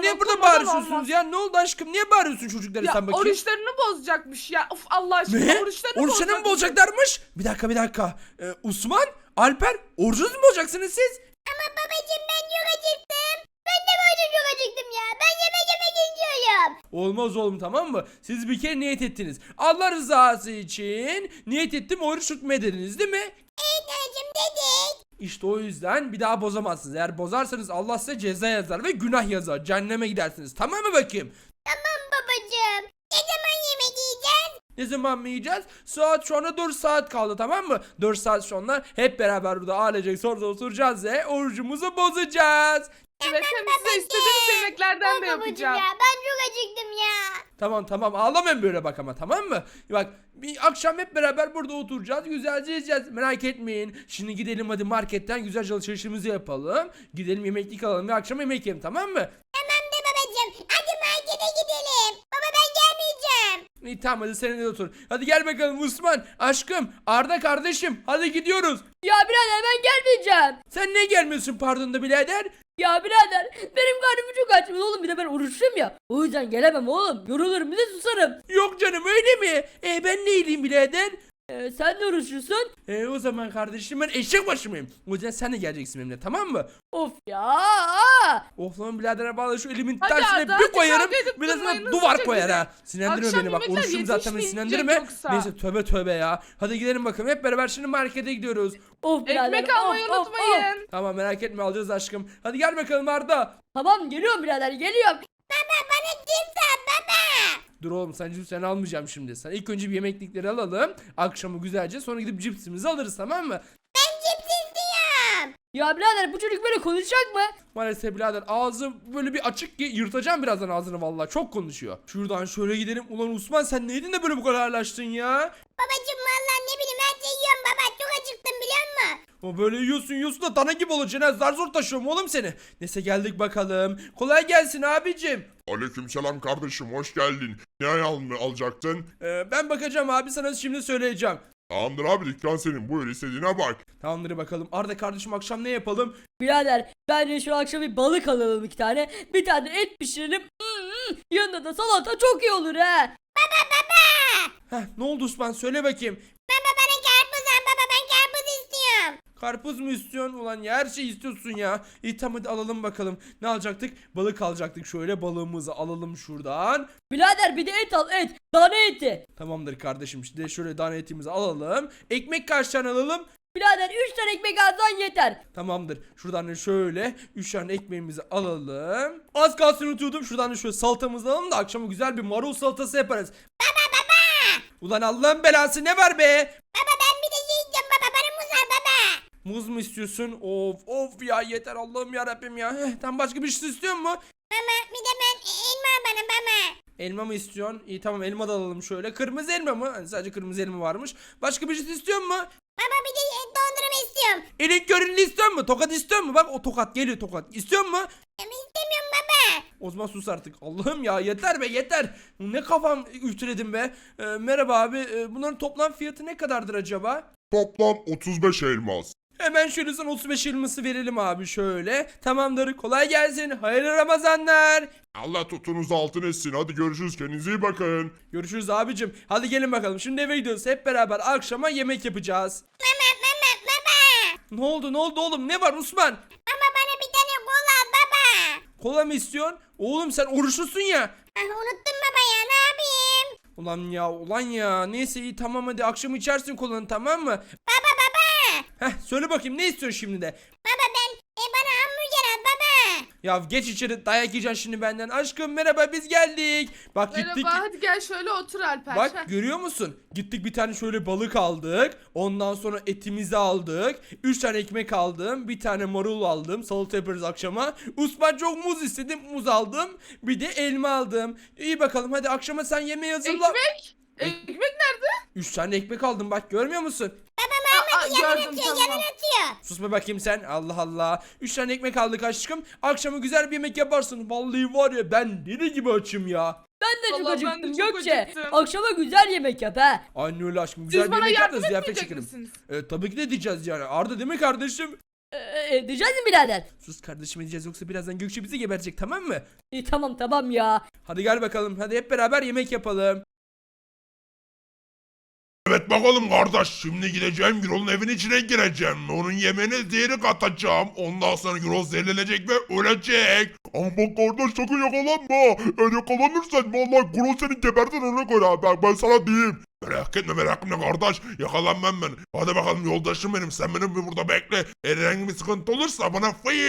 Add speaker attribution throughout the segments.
Speaker 1: niye burada
Speaker 2: Dokunmadan
Speaker 1: bağırıyorsunuz
Speaker 2: olmaz.
Speaker 1: ya? Ne oldu aşkım? Niye bağırıyorsun çocuklara
Speaker 2: Ya
Speaker 1: sen bakayım?
Speaker 2: oruçlarını bozacakmış ya. Of Allah aşkına
Speaker 1: Ne?
Speaker 2: oruçlarını
Speaker 1: Oruçlarını mı
Speaker 2: bozacakmış.
Speaker 1: bozacaklarmış? Bir dakika. Osman, Alper, orucunuz mu bozacaksınız siz?
Speaker 3: Ama babacığım ben çok acıktım. Ben de böyle çok acıktım ya. Ben yemek istiyorum.
Speaker 1: Olmaz oğlum, tamam mı? Siz bir kere niyet ettiniz. Allah rızası için niyet ettim, oruç tutmaya dediniz değil mi?
Speaker 3: Evet anneciğim dedik.
Speaker 1: İşte o yüzden bir daha bozamazsınız. Eğer bozarsanız Allah size ceza yazar ve günah yazar. Cehenneme gidersiniz. Tamam mı bakayım?
Speaker 3: Tamam babacığım. Ne zaman yemek yiyeceğiz?
Speaker 1: Ne zaman mı yiyeceğiz? Saat şu anda 4 saat kaldı, tamam mı? 4 saat sonra hep beraber burada ailecek sonra oturacağız ve orucumuzu bozacağız.
Speaker 2: Evet hem size istediğiniz yemeklerden de
Speaker 3: Babacığım
Speaker 2: yapacağım.
Speaker 3: ya ben çok acıktım ya.
Speaker 1: Tamam ağlamayın böyle bak ama, tamam mı? Bak bir akşam hep beraber burada oturacağız, güzelce yiyeceğiz, merak etmeyin. Şimdi gidelim hadi marketten güzelce alışverişimizi yapalım. Gidelim yemeklik alalım ve akşam yemek yiyelim, tamam mı?
Speaker 3: Tamam da babacığım. Hadi markete gidelim. Baba ben gelmeyeceğim.
Speaker 1: İyi tamam, hadi seninle de otur. Hadi gel bakalım Osman, aşkım, Arda kardeşim, hadi gidiyoruz.
Speaker 4: Ya birader ben gelmeyeceğim.
Speaker 1: Sen niye gelmiyorsun pardon da birader?
Speaker 4: Ya birader benim karnım çok aç oğlum, bir de ben oruçluyum ya. O yüzden gelemem oğlum. Yorulurum bir de susarım.
Speaker 1: Yok canım, öyle mi? Ben neyleyim birader?
Speaker 4: Sen de oruçlusun.
Speaker 1: O zaman kardeşim ben eşek başı mıyım? O yüzden sen de geleceksin benimle, tamam mı?
Speaker 4: Of ya.
Speaker 1: Of lan birader, bağla şu elimin
Speaker 2: Hadi
Speaker 1: tersine
Speaker 2: Arda,
Speaker 1: bir
Speaker 2: hadi
Speaker 1: koyarım.
Speaker 2: kavga edip
Speaker 1: Bir de sana
Speaker 2: durmayın,
Speaker 1: duvar
Speaker 2: hızlıca
Speaker 1: koyar
Speaker 2: gidin.
Speaker 1: ha. Sinirlendirme
Speaker 2: Akşam
Speaker 1: beni bak,
Speaker 2: yemekler
Speaker 1: oruçluyum zaten, beni
Speaker 2: yetişmeyecek
Speaker 1: sinirlendirme.
Speaker 2: yoksa.
Speaker 1: Neyse tövbe ya. Hadi gidelim bakalım, hep beraber şimdi markete gidiyoruz.
Speaker 4: Of birader.
Speaker 2: Ekmek almayı
Speaker 4: of.
Speaker 2: unutmayın.
Speaker 1: Tamam merak etme, alacağız aşkım. Hadi gel bakalım Arda.
Speaker 4: Tamam geliyorum birader geliyorum.
Speaker 3: Baba bana cips al baba.
Speaker 1: Dur oğlum, sen almayacağım şimdi. Sen ilk önce bir yemeklikleri alalım. Akşamı güzelce, sonra gidip cipsimizi alırız, tamam mı?
Speaker 3: Ben cips istiyorum.
Speaker 4: Ya birader bu çocuk böyle konuşacak mı?
Speaker 1: Maalesef birader, ağzı böyle bir açık ki yırtacağım birazdan ağzını, vallahi çok konuşuyor. Şuradan şöyle gidelim. Ulan Osman, sen neydin de böyle bu kadar ağırlaştın ya?
Speaker 3: Babacığım vallahi ne bileyim her şeyi yiyorum baba. Çok acıktım biliyor musun?
Speaker 1: O böyle yiyorsun da dana gibi olacaksın ha, zar zor taşıyorum oğlum seni. Neyse geldik bakalım. Kolay gelsin abicim.
Speaker 5: Aleykümselam kardeşim, hoş geldin. Ne alacaktın?
Speaker 1: Ben bakacağım abi, sana şimdi söyleyeceğim.
Speaker 5: Tamamdır abi, dükkan senin, buyur istediğine bak.
Speaker 1: Tamamdır bakalım. Arda kardeşim, akşam ne yapalım?
Speaker 4: Birader bence şu akşam bir balık alalım 2 tane. Bir tane et pişirelim. Yanında da salata çok iyi olur ha.
Speaker 1: Ne oldu Osman, söyle bakayım.
Speaker 3: Baba bana karpuz al baba ben karpuz istiyorum.
Speaker 1: Karpuz mu istiyorsun? Ulan ya her şeyi istiyorsun ya. İyi tamam, hadi alalım bakalım. Ne alacaktık? Balık alacaktık. Şöyle balığımızı alalım şuradan.
Speaker 4: Birader bir de et al, et. Dana eti.
Speaker 1: Tamamdır kardeşim. Şimdi şöyle tane etimizi alalım. Ekmek kaç tane alalım?
Speaker 4: Birader 3 tane ekmek alsan yeter.
Speaker 1: Tamamdır. Şuradan da şöyle 3 tane ekmeğimizi alalım. Az kalsın unutuyordum. Şuradan da şöyle salatamızı alalım da akşama güzel bir marul salatası yaparız. Ulan Allah'ın belası, ne var be?
Speaker 3: Baba ben bir de şey yiyeceğim baba bana muz al baba.
Speaker 1: Muz mu istiyorsun? Of ya, yeter Allah'ım ya Rabbim ya. Tam başka bir şey istiyor mu?
Speaker 3: Mama bir de ben elma al bana baba.
Speaker 1: Elma mı istiyorsun? İyi tamam, elma da alalım şöyle. Kırmızı elma mı? Hani sadece kırmızı elma varmış. Başka bir şey istiyor mu?
Speaker 3: Baba bir de dondurma istiyorum.
Speaker 1: Elin körünü istiyor mu? Tokat istiyor mu? Bak o tokat geliyor, tokat. İstiyor mu?
Speaker 3: Ama istemiyorum baba.
Speaker 1: O zaman sus artık. Allah'ım ya, yeter be yeter. Ne kafam ütüledim be. Merhaba abi. Bunların toplam fiyatı ne kadardır acaba?
Speaker 5: Toplam 35 elmas.
Speaker 1: Hemen şöyle sana 35 elması verelim abi şöyle. Tamamdır. Kolay gelsin. Hayırlı Ramazanlar.
Speaker 5: Allah tutunuzu altın etsin, hadi görüşürüz, kendinize iyi bakın.
Speaker 1: Görüşürüz abicim. Hadi gelin bakalım. Şimdi eve gidiyoruz. Hep beraber akşama yemek yapacağız.
Speaker 3: Baba.
Speaker 1: Ne oldu oğlum? Ne var Osman?
Speaker 3: Baba bana bir tane kola al baba.
Speaker 1: Kola mı istiyorsun? Oğlum sen oruçlusun ya.
Speaker 3: Ah, unuttum baba ya ne yapayım?
Speaker 1: Ulan ya. Neyse iyi tamam, hadi akşam içersin kolanı, tamam mı?
Speaker 3: Baba baba.
Speaker 1: Söyle bakayım, ne istiyorsun şimdi de?
Speaker 3: Baba ben bana hamburger al baba.
Speaker 1: Ya geç içeri, dayak yiyeceksin şimdi benden. Aşkım merhaba, biz geldik. Bak
Speaker 2: Merhaba
Speaker 1: gittik.
Speaker 2: hadi gel şöyle otur Alper.
Speaker 1: Bak
Speaker 2: Heh.
Speaker 1: görüyor musun? Gittik bir tane şöyle balık aldık. Ondan sonra etimizi aldık. 3 tane ekmek aldım. Bir tane marul aldım. Salata yaparız akşama. Osman çok muz istedim. Muz aldım. Bir de elma aldım. İyi bakalım, hadi akşama sen yemeği hazırla.
Speaker 2: Ekmek? Ekmek nerede?
Speaker 1: 3 tane ekmek aldım, bak görmüyor musun?
Speaker 2: Aa,
Speaker 3: Yalan
Speaker 2: gördüm
Speaker 3: atıyor
Speaker 2: tamam.
Speaker 3: yalan atıyor.
Speaker 1: Susma bakayım sen. Allah Allah. 3 tane ekmek aldık aşkım. Akşama güzel bir yemek yaparsın. Vallahi var ya, ben deli gibi açım ya.
Speaker 4: Ben de çok
Speaker 2: Vallahi ben de
Speaker 4: acıktım
Speaker 2: çok
Speaker 4: Gökçe.
Speaker 2: acıktım.
Speaker 4: Akşama güzel yemek yap ha.
Speaker 1: Aynen öyle aşkım. Güzel
Speaker 2: Siz
Speaker 1: bir
Speaker 2: bana
Speaker 1: yemek yap da
Speaker 2: yardım
Speaker 1: ziyafet
Speaker 2: etmeyecek
Speaker 1: çekelim.
Speaker 2: misiniz?
Speaker 1: Tabii ki de diyeceğiz yani. Arda değil mi kardeşim?
Speaker 4: Edeceğiz mi birader?
Speaker 1: Sus kardeşim, edeceğiz yoksa birazdan Gökçe bizi geberecek, tamam mı?
Speaker 4: Tamam ya.
Speaker 1: Hadi gel bakalım, hadi hep beraber yemek yapalım.
Speaker 5: Evet bakalım kardeş, şimdi gideceğim Gürol'un evin içine gireceğim. Onun yemeğine zehri katacağım. Ondan sonra Gürol zehirlenecek ve ölecek. Ama bak kardeş, sakın yakalanma. Eğer yakalanırsan vallahi Gürol seni gebertir, ona göre. Ben sana diyeyim. Merak etme kardeş, yakalanmam ben. Hadi bakalım yoldaşım benim, sen benim bir burada bekle. Eğer herhangi bir sıkıntı olursa bana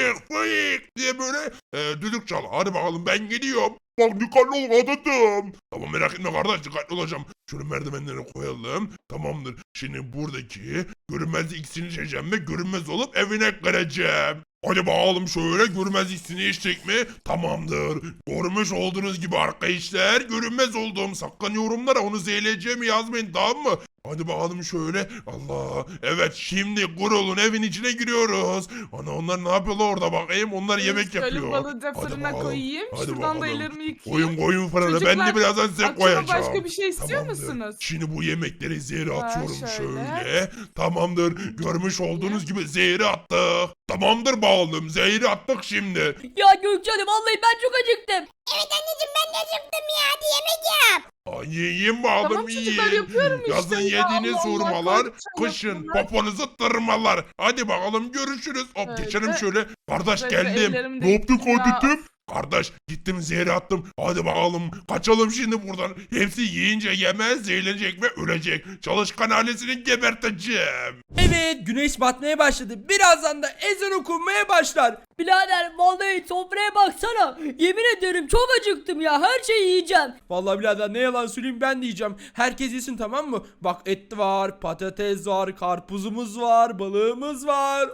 Speaker 5: fıyık diye böyle düdük çal. Hadi bakalım ben gidiyorum. Bak dikkatli ol adamım. Tamam merak etme kardeş, dikkatli olacağım. Şöyle merdivenleri koyalım. Tamamdır. Şimdi buradaki görünmez iksirini içeceğim ve görünmez olup evine gireceğim. Hadi bakalım şöyle, görünmez iksini içtik mi? Tamamdır. Görmüş olduğunuz gibi arkadaşlar, görünmez olduğum, sakın yorumlara onu zehirleyeceğimi yazmayın, tamam mı? Hadi bakalım şöyle. Allah. Evet, şimdi Gürol'un evin içine giriyoruz. Ana, onlar ne yapıyorlar orada bakayım? Onlar yemek
Speaker 2: Şöyle
Speaker 1: yapıyor.
Speaker 2: balığı da
Speaker 1: Hadi
Speaker 2: fırına
Speaker 1: bakalım.
Speaker 2: koyayım.
Speaker 1: Hadi
Speaker 2: Şuradan da
Speaker 1: bakalım.
Speaker 2: ellerimi yıkayayım.
Speaker 5: Koyun fırına, ben
Speaker 2: Çocuklar,
Speaker 5: de birazdan size
Speaker 2: akşama
Speaker 5: koyacağım.
Speaker 2: başka bir şey istiyor
Speaker 5: Tamamdır.
Speaker 2: musunuz?
Speaker 5: Şimdi bu yemekleri zehri atıyorum
Speaker 2: şöyle.
Speaker 5: şöyle. Tamamdır. Görmüş olduğunuz gibi zehri attık. Tamamdır bakalım, zehri attık şimdi.
Speaker 4: Ya Gökçe Hanım, vallahi ben çok acıktım.
Speaker 3: Evet anneciğim, ben de acıktım ya. Hadi yemek yap.
Speaker 5: Ay, yiyeyim bakalım,
Speaker 2: Tamam çocuklar,
Speaker 5: yiyin.
Speaker 2: yapıyorum işte
Speaker 5: Yazın
Speaker 2: ya.
Speaker 5: yediğiniz
Speaker 2: Allah Allah,
Speaker 5: hurmalar,
Speaker 2: korkacağım
Speaker 5: kışın
Speaker 2: yapmalar.
Speaker 5: poponuzu tırmalar. Hadi bakalım, görüşürüz. Hop,
Speaker 2: Öyle.
Speaker 5: geçelim şöyle. Kardeş
Speaker 2: Böyle
Speaker 5: geldim.
Speaker 2: ellerimi de
Speaker 5: Ne yaptın
Speaker 2: yıkayayım ya.
Speaker 5: kardeşim? Kardeş gittim, zehri attım. Hadi bakalım, kaçalım şimdi buradan. Hepsi yiyince yemez, zehirlenecek ve ölecek. Çalışkan ailesini geberteceğim.
Speaker 1: Evet, güneş batmaya başladı. Birazdan da ezan okunmaya başlar.
Speaker 4: Birader, vallahi sofraya baksana. Yemin ederim çok acıktım ya. Her şeyi yiyeceğim.
Speaker 1: Vallahi birader, ne yalan söyleyeyim, ben de yiyeceğim. Herkes yesin, tamam mı? Bak, et var, patates var, karpuzumuz var, balığımız var.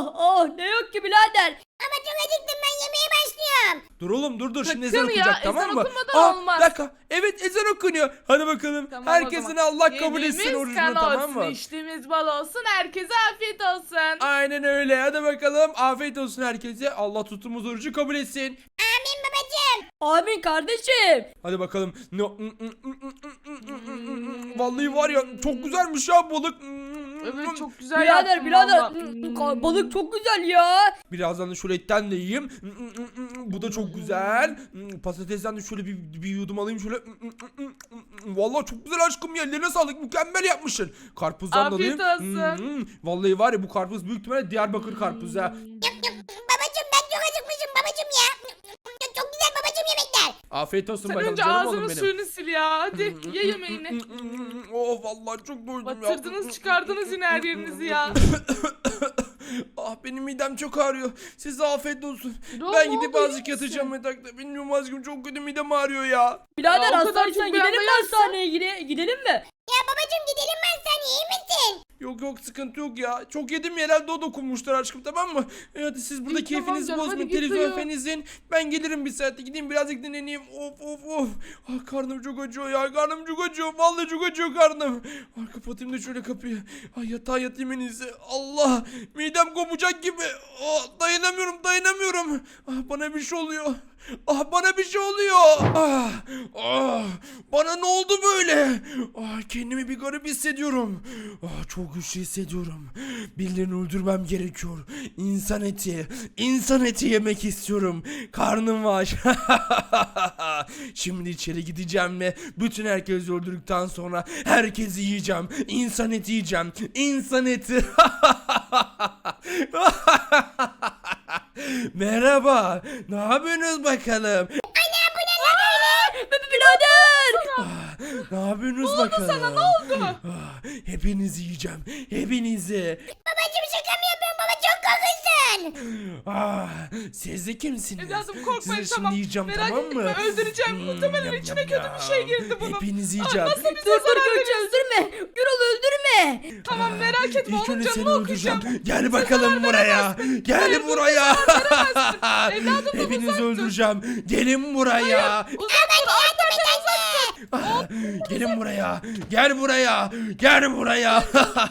Speaker 4: Ne yok ki birader.
Speaker 3: Ama çok acıktım, ben yemeğe başlıyorum.
Speaker 1: Dur oğlum, dur şimdi
Speaker 2: Sakın
Speaker 1: ezan
Speaker 2: ya,
Speaker 1: okunacak,
Speaker 2: ezan
Speaker 1: tamam mı?
Speaker 2: okunmadan olmaz.
Speaker 1: Bir dakika, evet ezan okunuyor. Hadi bakalım,
Speaker 2: Tamam, o
Speaker 1: herkesin
Speaker 2: zaman.
Speaker 1: Allah kabul etsin
Speaker 2: Yediğimiz
Speaker 1: orucunu,
Speaker 2: kan
Speaker 1: tamam mı?
Speaker 2: olsun, içtiğimiz bal olsun, herkese afiyet olsun.
Speaker 1: Aynen öyle, hadi bakalım, afiyet olsun herkese. Allah tuttuğumuz orucu kabul etsin.
Speaker 3: Amin babacığım.
Speaker 4: Amin kardeşim.
Speaker 1: Hadi bakalım. Vallahi var ya, çok güzelmiş ya balık.
Speaker 2: Evet, çok güzel
Speaker 4: Birader
Speaker 2: yaptın
Speaker 4: birader.
Speaker 2: valla.
Speaker 4: Balık çok güzel ya.
Speaker 1: Birazdan da şöyle etten de yiyeyim. Bu da çok güzel. Patatesten de şöyle bir yudum alayım şöyle. Vallahi çok güzel aşkım ya. Ellerine sağlık. Mükemmel yapmışsın. Karpuzdan da alayım.
Speaker 2: Afiyet olsun.
Speaker 1: Vallahi var ya, bu karpuz büyük ihtimalle Diyarbakır karpuzu ha.
Speaker 3: Babacığım, ben çok acıkmışım babacığım ya. Çok güzel babacığım yemekler.
Speaker 1: Afiyet olsun
Speaker 2: Sen
Speaker 1: bakalım
Speaker 2: önce
Speaker 1: canım oğlum
Speaker 2: ağzının
Speaker 1: benim.
Speaker 2: suyunu sil ya. Hadi ye yemeğini.
Speaker 1: Oh vallahi çok doydum ya.
Speaker 2: Batırdınız çıkardınız yine her yerinizi ya.
Speaker 1: Ah, benim midem çok ağrıyor. Size afiyet olsun.
Speaker 2: Gürol,
Speaker 1: Ben
Speaker 2: ne
Speaker 1: gidip
Speaker 2: oldu, iyi
Speaker 1: azıcık
Speaker 2: misin?
Speaker 1: yatacağım yatakta. Bilmiyorum aşkım, çok kötü midem ağrıyor ya.
Speaker 4: Birader,
Speaker 2: Ya, o kadar
Speaker 4: hastaneden
Speaker 2: çok bir anda
Speaker 4: gidelim mi
Speaker 2: yersen-
Speaker 4: hastaneye? Gidelim mi?
Speaker 3: Ya babacığım, gidelim, ben sen iyi misin?
Speaker 1: Yok sıkıntı yok ya. Çok yedim ya, herhalde o dokunmuştur aşkım, tamam mı? Hadi siz burada
Speaker 2: İyi, tamam
Speaker 1: keyfinizi
Speaker 2: canım,
Speaker 1: bozmayın.
Speaker 2: hadi git
Speaker 1: Televizyon
Speaker 2: uyu.
Speaker 1: falan izleyin. Ben gelirim bir saatte. Gideyim birazcık dinleneyim. Of. Ah, karnım çok acıyor ya. Karnım çok acıyor. Vallahi çok acıyor karnım. Ah, kapatayım da şöyle kapıyı. Ay, yatağa yatayım en iyisi. Allah. Midem kopacak gibi. Ah, dayanamıyorum. Ah, bana bir şey oluyor. Bana bir şey oluyor. Bana ne oldu böyle? Kendimi bir garip hissediyorum. Çok güçlü hissediyorum. Birilerini öldürmem gerekiyor. İnsan eti yemek istiyorum. Karnım var. Şimdi içeri gideceğim ve bütün herkesi öldürdükten sonra herkesi yiyeceğim. İnsan eti yiyeceğim. İnsan eti. Merhaba. Ne yapıyorsunuz bakalım?
Speaker 4: Birader.
Speaker 1: Ne yapıyorsunuz bakalım?
Speaker 2: Sana ne oldu?
Speaker 1: Hepinizi yiyeceğim. Hepinizi.
Speaker 3: Babacığım, şaka mı yapıyorsun baba, çok korkunçsun.
Speaker 1: Siz de kimsiniz?
Speaker 2: Evladım korkmayın,
Speaker 1: Sizi
Speaker 2: tamam.
Speaker 1: şimdi yiyeceğim,
Speaker 2: Merak
Speaker 1: tamam mı?
Speaker 2: etme, öldüreceğim. Muhtemelen
Speaker 1: Yam,
Speaker 2: içine
Speaker 1: yam,
Speaker 2: kötü bir şey
Speaker 1: yam.
Speaker 2: girdi bunun.
Speaker 1: Hepinizi yiyeceğim.
Speaker 2: Nasıl bize
Speaker 4: Dur
Speaker 2: zarar
Speaker 4: Gökçe,
Speaker 2: veriyorsun?
Speaker 4: öldürme. Gürol öldürme.
Speaker 2: Tamam, merak etme,
Speaker 1: İlk
Speaker 2: onun
Speaker 1: önce seni
Speaker 2: canını
Speaker 1: öldüreceğim.
Speaker 2: okuyacağım.
Speaker 1: Gel bakalım buraya. Gel buraya.
Speaker 2: Evladım,
Speaker 1: Hepinizi
Speaker 2: uzak dur.
Speaker 1: öldüreceğim. Gelin buraya.
Speaker 2: Uzak dur, Alper'den uzak dur.
Speaker 1: Gelin buraya. Gel buraya. Gel buraya.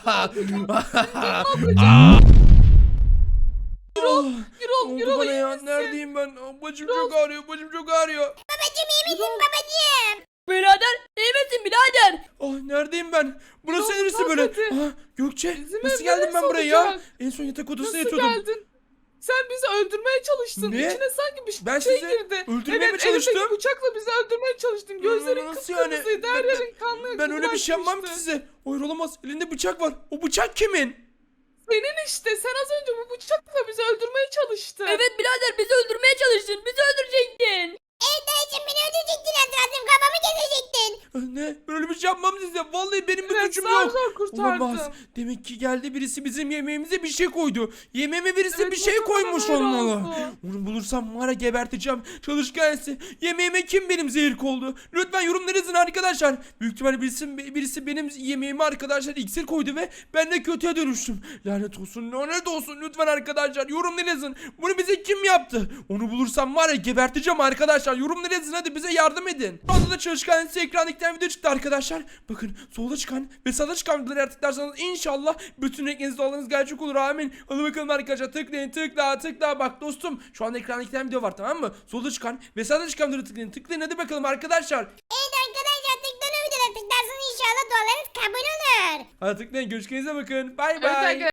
Speaker 2: Gürol
Speaker 1: bana
Speaker 2: iyi
Speaker 1: ya.
Speaker 2: misin?
Speaker 1: Neredeyim ben? Bacım çok ağrıyor. Bacım çok ağrıyor.
Speaker 3: Babacığım, iyi misin babacığım?
Speaker 4: Birader iyi misin birader?
Speaker 1: Oh neredeyim ben? Burası
Speaker 2: Yok,
Speaker 1: neresi böyle?
Speaker 2: hadi.
Speaker 1: Aa, Gökçe
Speaker 2: Bizim
Speaker 1: nasıl
Speaker 2: ev
Speaker 1: geldim ben
Speaker 2: neresi
Speaker 1: buraya ya?
Speaker 2: olacak?
Speaker 1: En son yatak odasında
Speaker 2: Nasıl
Speaker 1: yatıyordum.
Speaker 2: geldin? Sen bizi öldürmeye çalıştın.
Speaker 1: Ne?
Speaker 2: İçine sanki bir
Speaker 1: Ben
Speaker 2: şey
Speaker 1: sizi
Speaker 2: girdi.
Speaker 1: öldürmeye mi
Speaker 2: evet,
Speaker 1: çalıştım?
Speaker 2: elindeki bıçakla bizi öldürmeye çalıştın. Gözlerin
Speaker 1: Nasıl yani?
Speaker 2: kıpkırmızıydı. Her yerin kanlı.
Speaker 1: Ben öyle bir şey yapmam ki
Speaker 2: bulaşmıştı.
Speaker 1: size. Hayır olamaz. Elinde bıçak var. O bıçak kimin?
Speaker 2: Senin işte. Sen az önce bu bıçakla bizi öldürmeye çalıştın.
Speaker 4: Evet birader bizi öldürmeye çalıştın. Bizi öldürecektin.
Speaker 3: Evet dayıcım beni öldürecektin hatırladım kafamı kesecektin.
Speaker 1: Ne? Ben öyle bir şey yapmam size. Vallahi benim bir
Speaker 2: Evet,
Speaker 1: suçum
Speaker 2: zar
Speaker 1: yok.
Speaker 2: zor kurtardım.
Speaker 1: Olamaz. Demek ki geldi birisi bizim yemeğimize bir şey koydu. Yemeğime birisi
Speaker 2: Evet,
Speaker 1: bir şey
Speaker 2: muhtemelen
Speaker 1: koymuş
Speaker 2: öyle
Speaker 1: olmalı.
Speaker 2: oldu.
Speaker 1: Onu bulursam var ya geberteceğim. Çalışkansı. Yemeğime kim benim zehir koydu? Lütfen yorumlara yazın arkadaşlar. Büyük ihtimalle birisi benim yemeğime arkadaşlar iksir koydu ve ben de kötüye dönüştüm. Lanet olsun lütfen arkadaşlar. Yorumlara yazın. Bunu bize kim yaptı? Onu bulursam var ya geberteceğim arkadaşlar. Yorumlara yazın hadi bize yardım edin. Şu anda da çalışkan ekrandaki video çıktı arkadaşlar. Bakın solda çıkan ve sağda çıkan videoları tıklarsanız inşallah bütün renklerinizde olanınız gerçek olur amin. Hadi bakalım arkadaşlar tıklayın tıkla. Bak dostum şu anda ekranda iki tane video var tamam mı? Solda çıkan ve sağda çıkan videoları tıklayın hadi bakalım arkadaşlar.
Speaker 3: Evet arkadaşlar tıklanın videoları tıklarsın inşallah dualarınız kabul olur.
Speaker 1: Hadi tıklayın görüşürüz bakın. Bay
Speaker 2: Evet
Speaker 1: bay.
Speaker 2: arkadaşlar.